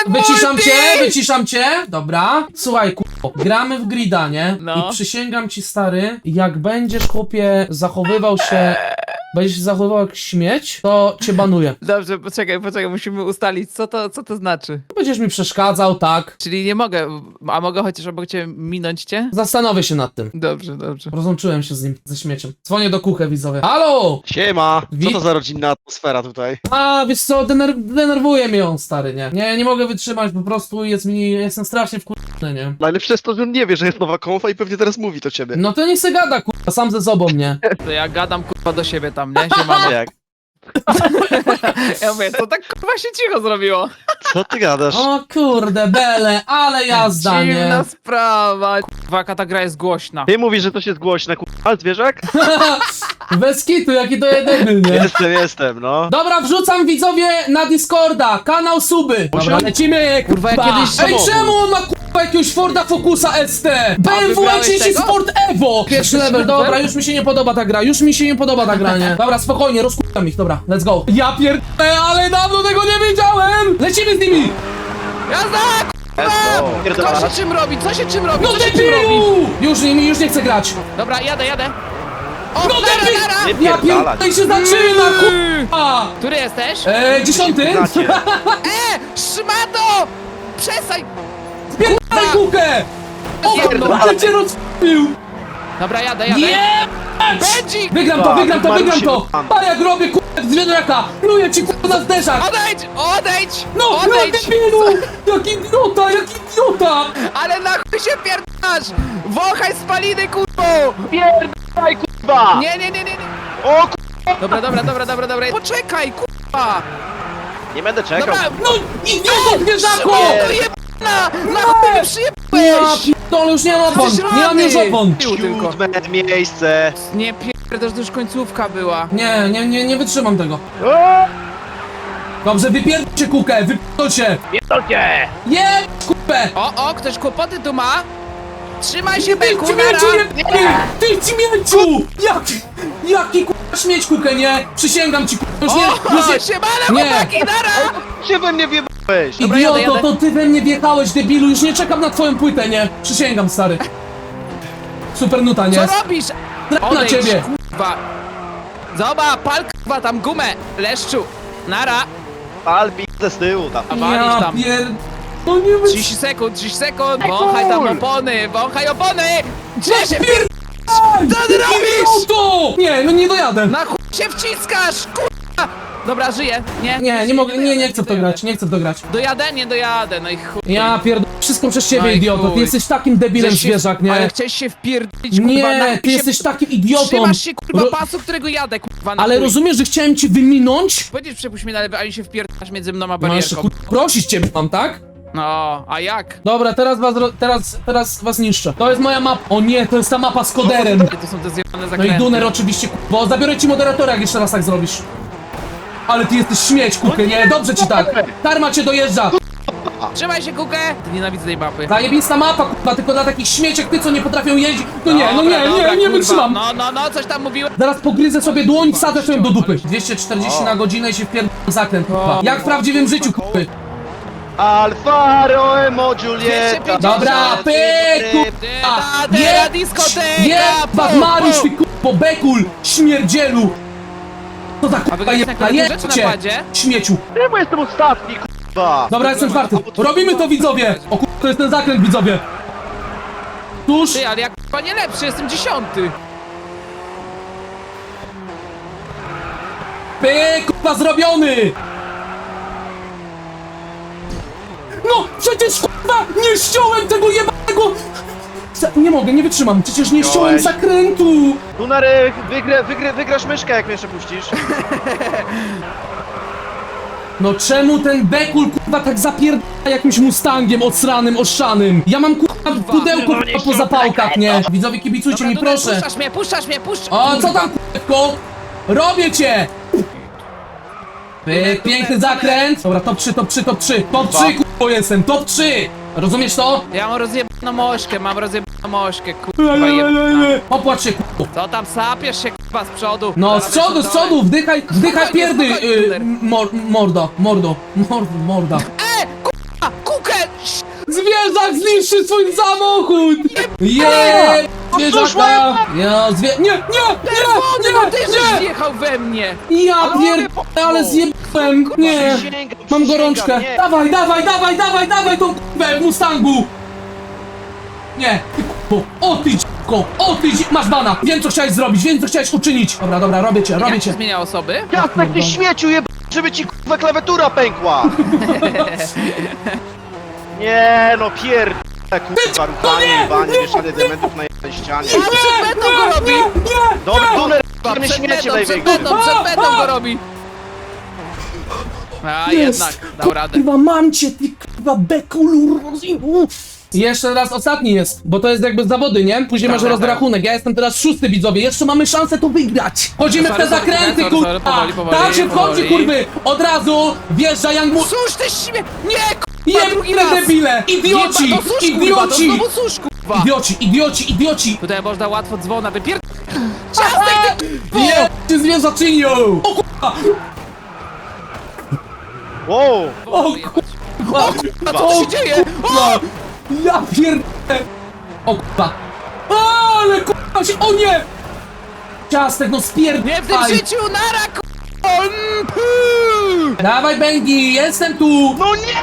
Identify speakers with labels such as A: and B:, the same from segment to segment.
A: Wyciszam cię, dobra. Słuchaj, gramy w grida, nie?
B: No.
A: I przysięgam ci, stary, jak będziesz, chłopie, zachowywał się... Będziesz się zachowywał jak śmieć, to cię banuję.
B: Dobrze, poczekaj, musimy ustalić, co to znaczy.
A: Będziesz mi przeszkadzał, tak?
B: Czyli nie mogę, a mogę chociaż obok ciebie minąć cię?
A: Zastanowię się nad tym.
B: Dobrze.
A: Rozłączyłem się z nim, ze śmieciem. Dzwonię do Kuchę, widzowie. Halo!
C: Siema! Co
A: Wi-
C: to za rodzinna atmosfera tutaj?
A: A, wiesz co, denerwuje mnie on, stary, nie? Nie mogę wytrzymać, po prostu jestem strasznie wkurwiony, nie?
C: Najlepsze jest to, że on nie wie, że jest nowa konfa i pewnie teraz mówi to ciebie.
A: No to nie se gada, kurwa, sam ze sobą, nie?
B: To ja gadam kurwa do siebie tam, nie? Siemano.
C: Jak?
B: Ja mówię, to tak kurwa się cicho zrobiło.
C: Co ty gadasz?
A: O kurde, bele, ale jazda, nie?
B: Dziwna sprawa. Kurwa, jaka ta gra jest głośna.
C: Ty mówisz, że to się jest głośne, k***a, zwierzak?
A: Bez kitu, jaki to jedyny, nie?
C: Jestem, no.
A: Dobra, wrzucam widzowie na Discorda, kanał suby. Dobra, lecimy,
B: Kurwa, jak kiedyś
A: Ej,
C: samochód.
A: czemu on ma kurwa jakiegoś Forda Focusa ST? BMW
B: wybrałeś
A: i
B: tego?
A: Sport Evo! Pierwszy level, dobra, już mi się nie podoba ta gra, nie? Dobra, spokojnie, rozkutam ich, dobra, let's go. Ja pierdolę, ale dawno tego nie wiedziałem! Lecimy z nimi!
B: Jazda! Kto się czym robi? Co się czym robi?
A: No
B: Co się czym robi?
A: debilu! Już nie chcę grać.
B: Dobra, jadę. O,
A: No debil!
B: nara!
C: Nie
A: Ja
C: pierdalać.
A: pierdolę, się zaczyna, kurwa!
B: Który jesteś?
A: 10.
C: Znacie.
B: Szmato! Przestań!
A: Spierdalaj kukę! O,
B: Pierdolę.
A: ale cię rozpił!
B: Dobra, jadę.
A: Nie!
B: Bedzik!
A: Wygram to!
C: Marusi,
A: A jak robię kurwa z wiadraka! Pluję ci kurwa na zderzak!
B: Odejdź!
A: No,
B: Odejdź!
A: debilu! Jak idiota!
B: Ale na chuj się pierdasz! Wąchaj spaliny, kurwo!
C: Pierdalaj, kurwa!
B: Nie.
C: O,
B: Dobra. Poczekaj, kurwa!
C: Nie będę czekał.
B: Dobra,
A: No, idioto zwierzako!
B: Szmato jebana! Na chuj mnie
A: Ja
B: przyjebałeś!
A: pierdolę, już nie mam opon!
B: Jesteś
A: Nie mam już
B: rany.
A: opon!
B: Tylko.
C: 7. miejsce.
B: Nie pierdasz, to już końcówka była.
A: Nie wytrzymam tego.
C: O,
A: Dobrze, wypierdolcie kukę, wypierdolcie!
C: pierdolcie!
A: Kupę!
B: O, ktoś kłopoty tu ma? Trzymaj się, Beku, nara!
A: Ty śmieciu! Jaki kurwa śmieć kukę, nie? Przysięgam ci kurwa, już nie...
B: Siemano,
A: Nie.
B: chłopaki, nara!
C: Się we mnie wjebałeś!
B: Dobra,
A: Idioto,
B: jadę.
A: to ty we mnie wjechałeś, debilu, już nie czekam na twoją płytę, nie? Przysięgam, stary. Super nuta, nie?
B: Co robisz?
A: Traf na ciebie!
B: kurwa! Zobacz, pal kurwa tam gumę, leszczu! Nara!
C: Pal pizdę z tyłu tam.
B: A walisz
A: Ja
B: tam.
A: No nie wy...
B: 30 sekund, wąchaj tam wąchaj opony! Gdzie się Co ty robisz?
A: Idioto! Nie, no nie dojadę.
B: Na chuj się wciskasz, kurwa! Dobra, żyję, nie?
A: Nie mogę, nie chcę w to grać, nie chcę w to grać.
B: Dojadę, nie dojadę, no i chuj.
A: Ja pierdolę, wszystko przez ciebie,
B: Oj,
A: idioto. Ty
B: chuj.
A: jesteś takim debilem,
B: Chcesz się-
A: zwierzak,
B: Ale
A: nie?
B: chciałeś się wpierdolić, kurwa, na
A: Nie,
B: chuj
A: ty
B: się-
A: jesteś takim idiotą.
B: Trzymasz się, kurwa,
A: Ro-
B: pasu, którego jadę, kurwa, na
A: Ale
B: chuj.
A: rozumiesz, że chciałem ci wyminąć?
B: Powiedzieć, przepuść mnie na lewy, ani się wpierdolasz między mną a
A: No jeszcze
B: barierką.
A: prosić ciebie mam, tak?
B: No, a jak?
A: Dobra, teraz was niszczę. To jest moja mapa. O nie, to jest ta mapa z koderem.
B: To są te zjebane
A: No i
B: zakręty.
A: Duner oczywiście, bo zabiorę ci moderatora, jak jeszcze raz tak zrobisz. Ale ty jesteś śmieć, kukę, nie? Dobrze ci tak. Karma cię dojeżdża.
B: Trzymaj się, kukę! Nienawidzę tej mapy.
A: Zajebista mapa, kurwa, tylko dla takich śmieci jak ty, co nie potrafią jeździć. No nie,
B: Dobra,
A: nie
B: kurwa.
A: wytrzymam.
B: No, coś tam mówiłem.
A: Zaraz pogryzę sobie dłoń, wsadzę sobie do dupy. 240 na godzinę i się wpierdolę zakręt, kurwa. Jak w prawdziwym życiu, kurwy.
C: Alfa Romeo Julieta.
B: 250.
A: Dobra, pyku.
B: Teatera, dyskoteka!
A: Jebać Mariusz, ty kurwo, bekul, śmierdzielu. To tak,
B: A wy
A: kurwa,
B: gracie na klawiaturze czy na padzie?
A: śmieciu.
C: Czemu jestem ostatni, kurwa?
A: Dobra, jestem czwarty. Robimy to, widzowie. O kurwa, to jest ten zakręt, widzowie. Tuż.
B: Ty, ale jak kurwa nie lepszy, jestem 10.
A: Pyk, kurwa, zrobiony! No, przecież kurwa, nie ściąłem tego jebanego... Nie mogę, nie wytrzymam, przecież nie ściąłem
C: Ściąłeś.
A: zakrętu!
C: Dunary, wygrasz myszkę, jak mnie jeszcze puścisz.
A: No czemu ten bekul kurwa tak zapierdala jakimś mustangiem odsranym, oszanym? Ja mam kurwa pudełko kurwa po zapałkach, nie? Widzowie, kibicujcie mi,
B: Duner,
A: proszę!
B: puszczasz mnie, puszcz!
A: O, co tam kurwa? Robię cię! Pyk, piękny zakręt! Dobra, top 3, top 3, top 3! Top 3 kurwa jestem, top 3! Rozumiesz to?
B: Ja mam rozjebaną mośkę, kurwa jebana.
A: Popłacz się kurwa!
B: Co tam sapiesz się, kurwa, z przodu?
A: No,
B: Zaraz
A: z przodu, wdychaj
B: Spokojnie,
A: pierdy,
B: spokojnie, Duner.
A: morda.
B: Kurwa!
A: Zwierzak zniszczy swój samochód! Zwierzaka! Ja Nie!
B: No ty żeś wjechał we mnie!
A: Ja pierdolę, ale zjebałem! Nie!
C: Przysięgam,
A: Mam
C: przysięgam,
A: gorączkę!
C: nie.
A: Dawaj tą k***ę w Mustangu! Nie! Ty k***o! O ty d***ko! O ty masz bana! Wiem co chciałeś zrobić, wiem co chciałeś uczynić! Dobra, robię cię!
B: Jak się zmienia osoby?
C: Jasnek, ty śmieciu żeby ci kurwa klawiatura pękła! Nie no kurwa, ruchanie, banie, mieszanie diamentów na jednej ścianie.
B: A przed metą go robi!
C: Dobry tuner,
B: Przed
C: nie śmiecie
B: metą, przed
C: największy.
B: metą go robi! A jednak, dał radę.
A: Kurwa, mam cię, ty kurwa bekulur! Jeszcze raz ostatni jest, bo to jest jakby zawody, nie? Później masz
B: Dobra,
A: rozrachunek, ja jestem teraz 6, widzowie, jeszcze mamy szansę to wygrać! Chodzimy w te
B: Sorry,
A: zakręty,
B: sorry,
A: kurwa!
B: powoli,
A: Tak się wchodzi,
B: powoli.
A: kurwy! Od razu wjeżdża Young Mu...
B: Susz ty śmie... Nie, kurwa, drugi
A: Jebne
B: raz!
A: debile! Idioci!
B: Jeba, to susz, kurwa, to
A: Idioci!
B: znowu susz, kurwa!
A: Idioci!
B: Tutaj można łatwo dzwona wypier... Ciastek, ty kurwo!
A: Jebcie zwierzaczynią! O kurwa!
C: Wow,
A: O kurwa!
B: A co tu się dzieje?
A: kurwa! Ja pierdolę! O kurwa! Ale kurwa się... O nie! Ciastek, no spierdolaj!
B: Nie w tym życiu, nara, kurwo!
A: Dawaj, Bengi, jestem tu!
C: no nie!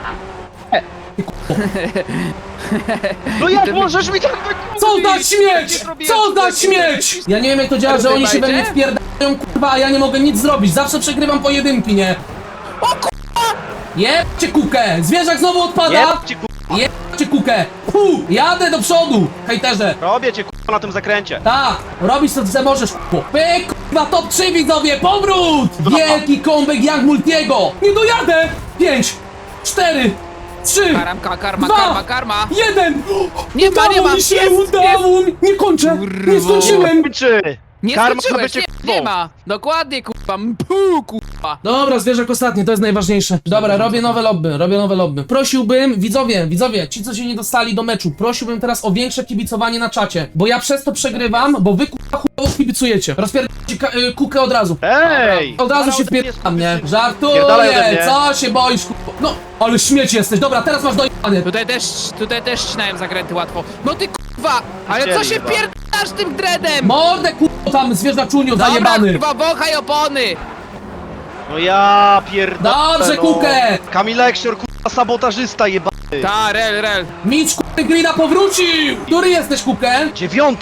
C: No jak możesz mi tak wykupić?
A: Co za śmieć! Co za śmieć! Ja nie wiem jak to działa, że oni się we mnie wpierdają, kurwa, a ja nie mogę nic zrobić. Zawsze przegrywam pojedynki, nie?
B: O kurwa!
A: Jebcie kukę! Zwierzak znowu odpada!
C: Jebcie kurwa,
A: Jebcie kukę! Jadę do przodu, hejterze!
C: robię cię kurwa na tym zakręcie.
A: Tak, robisz co ty możesz, kurwa. Pyk, kurwa, top 3 widzowie, powrót! Wielki comeback Young Multiego! Nie dojadę! 5, 4, 3,
B: Karma.
A: 1!
B: Nie ma, nie ma.
A: mi się,
B: Jest,
A: udało mi! Nie kończę! Nie skończyłem!
C: Kończy!
B: Nie
C: Karma
B: skończyłeś,
C: bycie
B: nie, nie ma. Dokładnie, kurwa. Mpu, kurwa.
A: Dobra, zwierzak ostatni, to jest najważniejsze. Dobra, robię nowe lobby. Prosiłbym, widzowie, ci co się nie dostali do meczu, prosiłbym teraz o większe kibicowanie na czacie, bo ja przez to przegrywam, bo wy kurwa chujowo kibicujecie. Rozpierdolcie kukę od razu.
C: Ej!
A: Od razu się wpierdam, nie? Żartuję,
C: Pierdalaj ode mnie.
A: co się boisz, kurwa? No, ale śmieć jesteś, dobra, teraz masz dojebanie.
B: Tutaj też ścinałem zakręty łatwo. No ty kurwa! Ale co się
C: Chcieli, no.
B: pierdasz tym dreadem?
A: Mordę kurwa tam, zwierzaczuniu
B: Dobra,
A: zajebany.
B: kurwa, wąchaj opony!
C: No ja pierdolę,
A: Dobrze,
C: no.
A: Kukę.
C: Kamil Eksior, kurwa, sabotażysta jebany.
B: Ta, rel.
A: Micz kurwa Grina powrócił! Który jesteś, Kukę?
C: 9!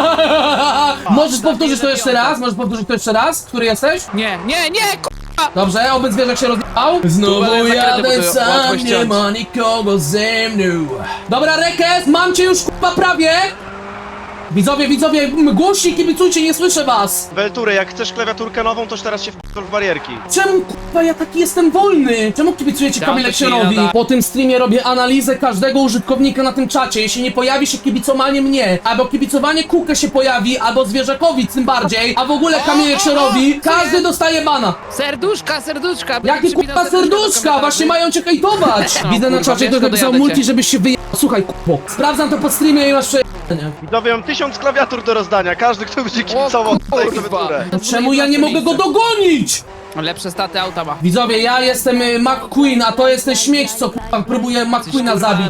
A: Możesz powtórzyć to jeszcze raz? Który jesteś?
B: Nie, kurwa!
A: Dobrze, oby zwierzak się rozjechał. Znowu
B: ale zakręty
A: jadę
B: były
A: sam,
B: łatwo
A: nie
B: ściąć.
A: ma nikogo ze mną. Dobra, Rekes, mam cię już kurwa prawie. Widzowie, głośniej kibicujcie, nie słyszę was.
C: Weltury, jak chcesz klawiaturkę nową, toż teraz się w barierki.
A: Czemu kurwa ja taki jestem wolny? Czemu kibicujecie
B: Dam to
A: Kamil
B: ci
A: Eksionowi?
B: nada.
A: Po tym streamie robię analizę każdego użytkownika na tym czacie. Jeśli nie pojawi się kibicowanie mnie, albo kibicowanie Kukę się pojawi, albo zwierzakowi tym bardziej, a w ogóle Kamil Eksionowi, każdy dostaje bana.
B: Serduszka!
A: Jakie kurwa serduszka? Właśnie mają cię hejtować!
B: No,
A: Widzę na
B: kurwa,
A: czacie,
B: wiesz,
A: ktoś
B: to
A: napisał
B: dojadę
A: multi,
B: cię.
A: żebyś się wyjechał. Słuchaj, kupo. Sprawdzam to po streamie i masz przejebanie.
C: Widzowie, mam 1000 klawiatur do rozdania. Każdy, kto będzie kibicował tutaj
B: kurwa.
C: klawiaturę.
A: Czemu ja nie mogę go dogonić?
B: Lepsze staty auta ma.
A: Widzowie, ja jestem McQueen, a to jest ten śmieć, co kurwa próbuje McQueena zabić.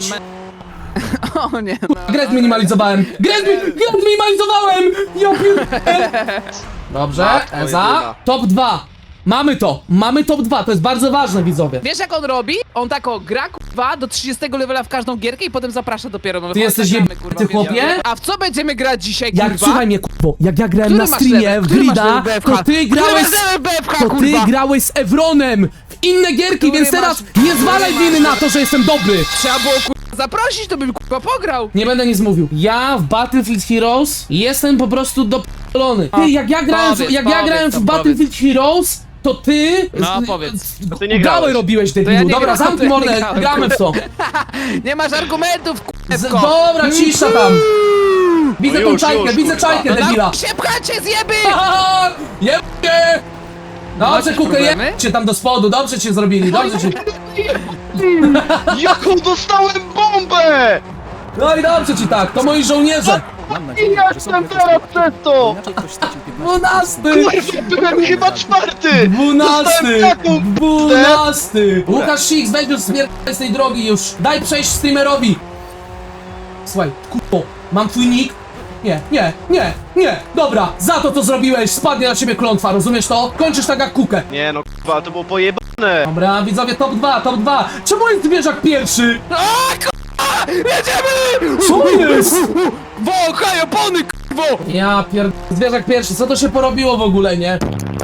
B: O nie.
A: Grę zminimalizowałem! Grę zminimalizowałem! Ja pierdolę! Dobrze,
C: Matko
A: Eza.
C: jedyna.
A: Top 2. Mamy top 2, to jest bardzo ważne, widzowie.
B: Wiesz jak on robi? On tako gra kurwa do 30 levela w każdą gierkę i potem zaprasza dopiero.
A: Ty jesteś
B: Gramy,
A: jebany, ty chłopie?
B: A w co będziemy grać dzisiaj,
A: Jak,
B: kurwa?
A: słuchaj mnie, kurwo, jak ja grałem
B: Który
A: na
B: masz
A: streamie
B: level?
A: w
B: Który masz
A: Grida,
B: level BFH?
A: to ty grałeś...
B: Który masz level BFH,
A: To ty
B: kurwa?
A: grałeś z Evronem w inne gierki,
B: Który
A: więc teraz
B: masz-
A: nie zwalaj
B: który
A: winy
B: masz-
A: na to, że jestem dobry!
B: Trzeba było kurwa zaprosić, to bym kurwa pograł.
A: Nie będę nic mówił. Ja w Battlefield Heroes jestem po prostu dopolony. Ty, jak ja grałem,
B: Powiedz,
A: jak ja
B: powiedz
A: grałem w
B: to,
A: Battlefield Heroes, to ty...
B: No, powiedz.
C: To ty nie
A: Gałę
C: grałeś.
A: robiłeś, debilu.
B: ja nie
A: Dobra,
B: grałem,
A: zamknij
B: to ja nie
A: mordę,
B: grałem,
A: gramy w to.
B: Nie masz argumentów, kurwa.
A: Dobra, cisza tam. Widzę
C: No
A: tą
C: już,
A: czajkę,
C: już,
A: widzę
C: kurwa.
A: czajkę, debila.
B: Się pchacie, zjeby!
A: Haha, jebcie! Dobrze,
B: Macie
A: Kukę,
B: problemy?
A: jedźcie tam do spodu, dobrze cię zrobili, dobrze cię...
C: Jaką dostałem bombę!
A: No i dobrze ci tak, to moi żołnierze.
D: Mam nadzieję, że sobie
C: Jestem teraz przez to!
D: inaczej ktoś stracił 15
A: 12!
C: Kurwa, byłem chyba czwarty!
A: 12!
C: Dostałem taką
A: 12! Łukasz Six, weź już spierdolę z tej drogi już. Daj przejść streamerowi. Słuchaj, kurwo, mam twój nick? Nie. Dobra, za to co zrobiłeś spadnie na ciebie klątwa, rozumiesz to? Kończysz tak jak kukę.
C: Nie no kurwa, to było pojebane!
A: Dobra, widzowie, top 2. Czemu jest zwierzak pierwszy?
B: A, kurwa! Jedziemy!
A: Co jest?
B: Wąchaj opony, kurwo!
A: Ja zwierzak pierwszy, co to się porobiło w ogóle, nie?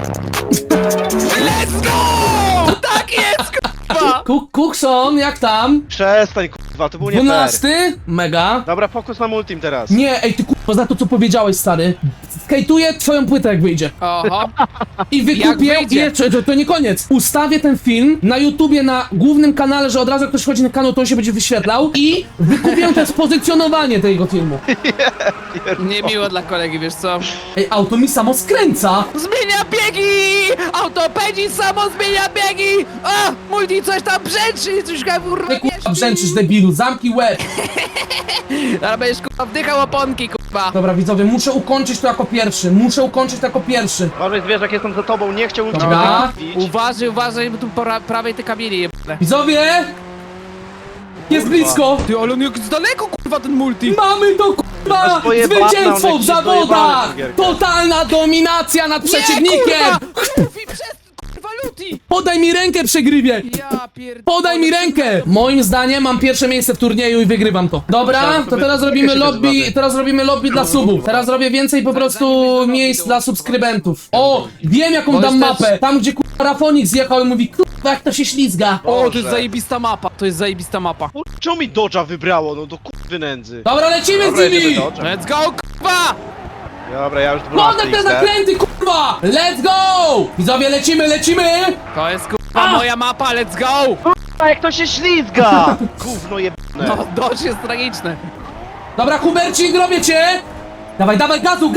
B: Let's go! Tak jest, kurwa!
A: Cookson, jak tam?
C: Przestań kurwa, to było nie fair.
A: 12? Mega.
C: Dobra, fokus na multim teraz.
A: Nie, ej ty kurwa, za to co powiedziałeś, stary. Skejtuję twoją płytę jak wyjdzie.
B: Oho.
A: I wykupię,
B: Jak wyjdzie?
A: jeszcze, to nie koniec. Ustawię ten film na YouTubie, na głównym kanale, że od razu jak ktoś chodzi na kanał, to on się będzie wyświetlał. I wykupię też pozycjonowanie tego filmu.
B: Niemiło dla kolegi, wiesz co?
A: Ej, auto mi samo skręca.
B: Zmienia biegi! Autopedzi samo zmienia biegi! A! Multi coś tam brzęczy! Coś tam kurwa
A: Ty kurwa brzęczysz, debilu, zamknij łeb.
B: Ale będziesz kurwa wdychał oponki, kurwa!
A: Dobra, widzowie, muszę ukończyć to jako pierwszy.
C: Uważaj zwierzak, jestem za tobą, nie chciałbym cię
A: Dobra.
C: wybić.
B: Uważaj, bo tu po prawej te kamienie jebane.
A: Widzowie! Jest blisko!
B: Ty, ale on jak z daleko, kurwa, ten multi!
A: Mamy to kurwa!
C: Masz pojebane,
A: Zwycięstwo
C: one
A: w
C: ci
A: zawodach!
C: dojebane tą gierkę.
A: Totalna dominacja nad przeciwnikiem!
B: Luffy przez kurwa Luti!
A: Podaj mi rękę, przegrywie!
B: Ja pierdolę.
A: Podaj mi rękę! Moim zdaniem mam pierwsze miejsce w turnieju i wygrywam to. Dobra, to teraz robimy lobby, dla subów. Teraz robię więcej po prostu miejsc dla subskrybentów. O, wiem jaką dam mapę. Tam gdzie kurwa Rafonik zjechał i mówi kurwa jak to się ślizga.
B: O, to
C: Boże.
B: jest zajebista mapa, to jest zajebista mapa.
C: Czemu mi Dodge'a wybrało, no do kurwy nędzy.
A: Dobra, lecimy
C: Dobra,
A: z
C: jedziemy
A: nimi!
C: Dodge'em.
B: Let's go, kurwa!
C: Dobra, ja już 12
A: Podaj te
C: XD.
A: zakręty kurwa! Let's go! Widzowie, lecimy!
B: To jest kurwa moja mapa, let's go!
C: A jak to się ślizga! Gówno jebane.
B: No, dość jest tragiczne.
A: Dobra, Hubercik, robię cię! Dawaj, gazu!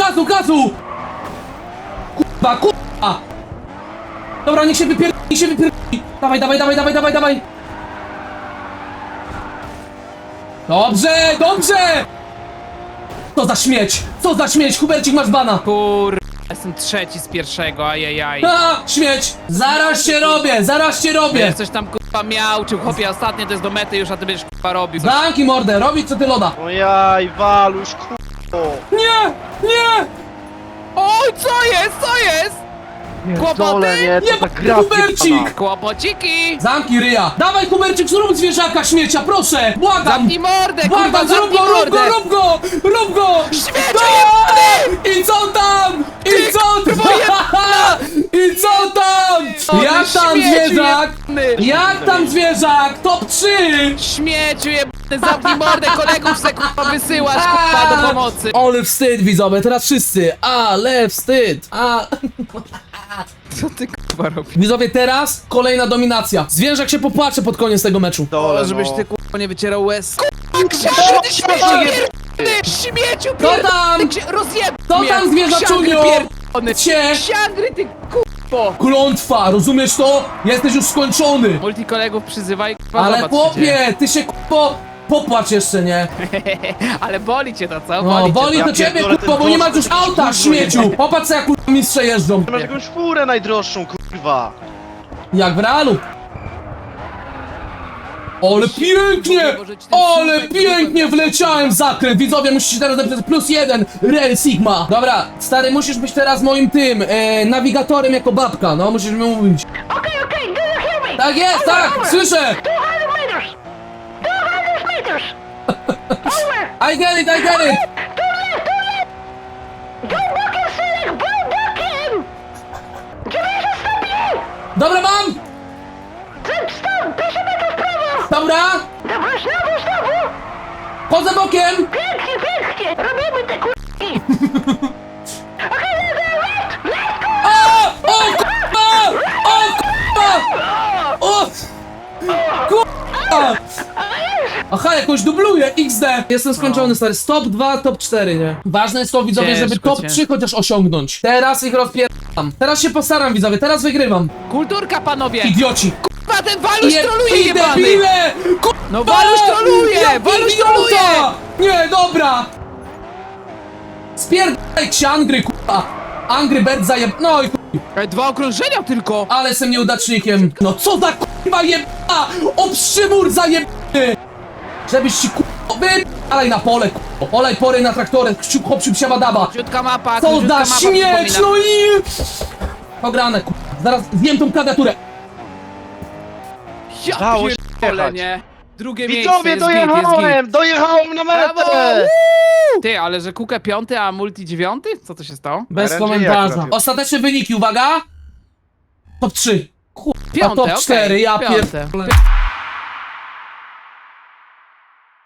A: Kurwa! Dobra, niech się wypierdoli! Dawaj! Dobrze! Co za śmieć! Hubercik, masz bana!
B: Kurwa, jestem trzeci z pierwszego, ajajaj.
A: Śmieć! Zaraz cię robię!
B: Wiesz, coś tam kurwa miał, czy chłopie ostatnie to jest do mety już, a ty będziesz kurwa robił.
A: Zamknij mordę, robić co ty loda!
C: No jaj, Waluś, kurwo.
A: Nie!
B: Oj, co jest?
C: Dole,
B: Kłopoty?
C: nie,
A: Nie,
C: to ta gra
A: Hubercik!
C: zjebana.
B: Kłopociki!
A: Zamknij ryja! Dawaj, Hubercik, zrób zwierzaka śmiecia, proszę! Błagam!
B: Zamknij mordę, kurwa,
A: Błagam, zrób
B: zamknij
A: go,
B: mordę!
A: rób go!
B: Śmieciu
A: Tak! I co tam? I co tam? Jak tam
B: śmieciu
A: zwierzak?
B: jebany!
A: Jak tam zwierzak? Top 3!
B: Śmieciu jebany, zamknij mordę, kolegów se kurwa wysyłasz, kurwa, do pomocy!
A: Ale wstyd, widzowie, teraz wszyscy! Ale wstyd!
B: Co ty kurwa robisz?
A: Widzowie, teraz kolejna dominacja. Zwierzak się popłacze pod koniec tego meczu.
C: Dole,
B: O, żebyś
C: no.
B: ty kurwa nie wycierał łez. Kurwa, książę, ty śmieciu pierdolony! Śmieciu
A: tam?
B: Rozjeb
A: Co
B: mnie!
A: tam, zwierzaczuniu?
B: Pierdolony!
A: Cie!
B: Książę, ty kurwo!
A: Klątwa, rozumiesz to? Jesteś już skończony.
B: Multi kolegów przyzywaj, kurwa,
A: Ale
B: zobacz, co się dzieje.
A: chłopie, ty się popłacz jeszcze, nie?
B: Ale boli cię to, co?
A: No, boli
C: Ja
A: to ciebie,
C: pierdolę,
A: kurwa,
C: ten
A: bo nie ma
C: Dodge
A: już
C: to jakiś
A: auta,
C: kurwa
A: śmieciu!
C: jebany.
A: Popatrz jak kurwa mistrze jeżdżą.
C: Ty masz jakąś furę najdroższą, kurwa.
A: Jak w realu. Ale pięknie! Ale pięknie wleciałem w zakręt! Widzowie, musicie teraz napisać +1 Real Sigma. Dobra, stary, musisz być teraz moim tym, nawigatorem jako babka, no, musisz mi mówić.
E: Okay, do you hear me?
A: Tak jest, tak, słyszę!
E: 200 meters! 200 meters! Over!
A: I get it!
E: Turn left! Don't walk in select! Bro, walk in! Kierujesz stop you!
A: Dobra, mam!
E: Stop! 500 metrów w prawo!
A: Dobra!
E: Dobra, znowu!
A: Chodzę bokiem!
E: Pięknie! Robimy te k***ki! Okej, left go!
A: O kurwa! O kurwa! O! Kurwa! Aha, jakoś dubluje, XD! Jestem skończony, stary. Top 2, top 4, nie? Ważne jest to, widzowie, żeby
B: Ciężko,
A: top
B: ciężko.
A: 3 chociaż osiągnąć. Teraz ich rozpieram. Teraz się postaram, widzowie, teraz wygrywam.
B: Kulturka, panowie!
A: Idioci!
B: Kurwa, ten Waluś troluje,
A: I
B: jebany!
A: debile! Kurwa!
B: No Waluś troluje!
A: Jaki
B: Waluś
A: idiota!
B: troluje!
A: Nie, dobra! Spierdajcie Angry, kurwa! Angry Bird zajeb... No i chuj.
B: Ej, 2 okrążenia tylko!
A: Ale jestem nieudacznikiem. No co za kurwa jebana! Obszymur zajebany! Żebyś ci kurwa... Wypalaj na pole, kurwa. Olej pory na traktorę, hop siabadaba.
B: Króciutka mapa,
A: Co
B: króciutka
A: za
B: mapa,
A: śmieć,
B: przypominam.
A: no i... Pograne, kurwa. Zaraz zjem tą klawiaturę.
B: Ja
C: Dało się
B: pierdolę,
C: jechać.
B: nie? Drugie miejsce,
C: Widzowie,
B: jest git, jest git.
C: dojechałem na
B: Brawo!
C: metę!
B: Ty, ale że Kukę 5, a Multi 9? Co to się stało?
A: Bez
C: RNG
A: komentarza.
C: akurat.
A: Ostateczne wyniki, uwaga! Top 3. Kurwa,
B: Piąte,
A: top
B: okej,
A: 4, ja
B: piąte.
A: pierdolę.